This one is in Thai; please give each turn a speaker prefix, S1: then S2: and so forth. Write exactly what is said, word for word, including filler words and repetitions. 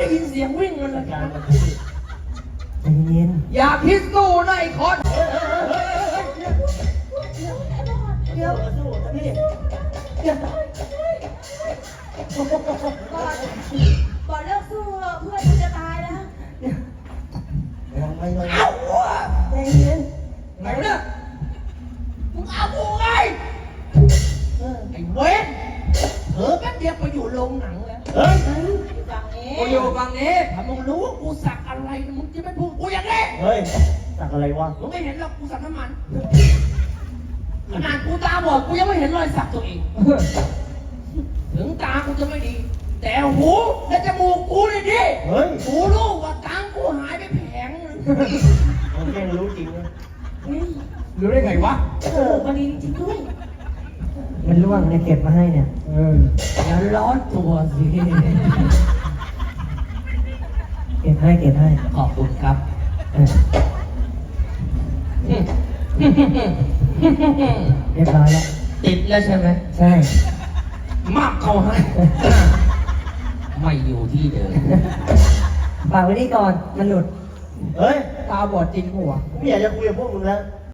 S1: ได้ยินเสียงวิ่งมันเลย
S2: ใจเย็น
S1: อย่าพิษสู้นะไอ้คน
S2: เดี๋ยวสู้นะพี่เดี๋ยว
S3: บอกเลิกสู้เพื่อนกูจะตายแล้ว
S2: ยังไม่ลง
S1: เอาวะ
S2: ใจเย็น
S1: ไหนวะเนี่ยมึงเอากูไงไอ้เว้นเออแป๊บเดียวไปอยู่โรงหนังแล้ว
S2: เฮ้ย
S3: ฝั่งนี้
S1: กูอยู่ฝั่งนี้ถ้ามึงรู้ว่ากูสักอะไรมึงจะไม่พูดกูอย่างนี้
S2: เฮ้ยสักอะไรวะ
S1: มึงไม่เห็นหรอกกูสักน้ำมันขนาดกูตาบอดกูยังไม่เห็นรอยสักตัวเองถึงตากูจะไม่ดี แต่หูและจมูกกูเนี่ยดี
S2: เฮ้ย
S1: กูรู้ว่าตังกูหายไปแผงนึง
S2: มันแค่รู้จริงนะ
S1: รู้ได้ไงวะ
S3: เออวันนี้จริงด้วย
S2: มันล่วงเนี่ยเก็บมาให้เนี่ย
S1: เอออย่าร้อนตัวสิ
S2: เก็บให้เก็บให้
S1: ขอบคุณครับ
S2: เออเรียบร้อยแล้ว
S1: ติดแล้วใช่ไหม
S2: ใช่
S1: มากเขาให้ ไม่อยู่ที่เดิม
S2: ฝากไว้นี่ก่อนมันหลุดเฮ้ย
S1: ตาบอดจริงหัว
S2: ไม่อยากจะคุยกับพวกมึงแล้ว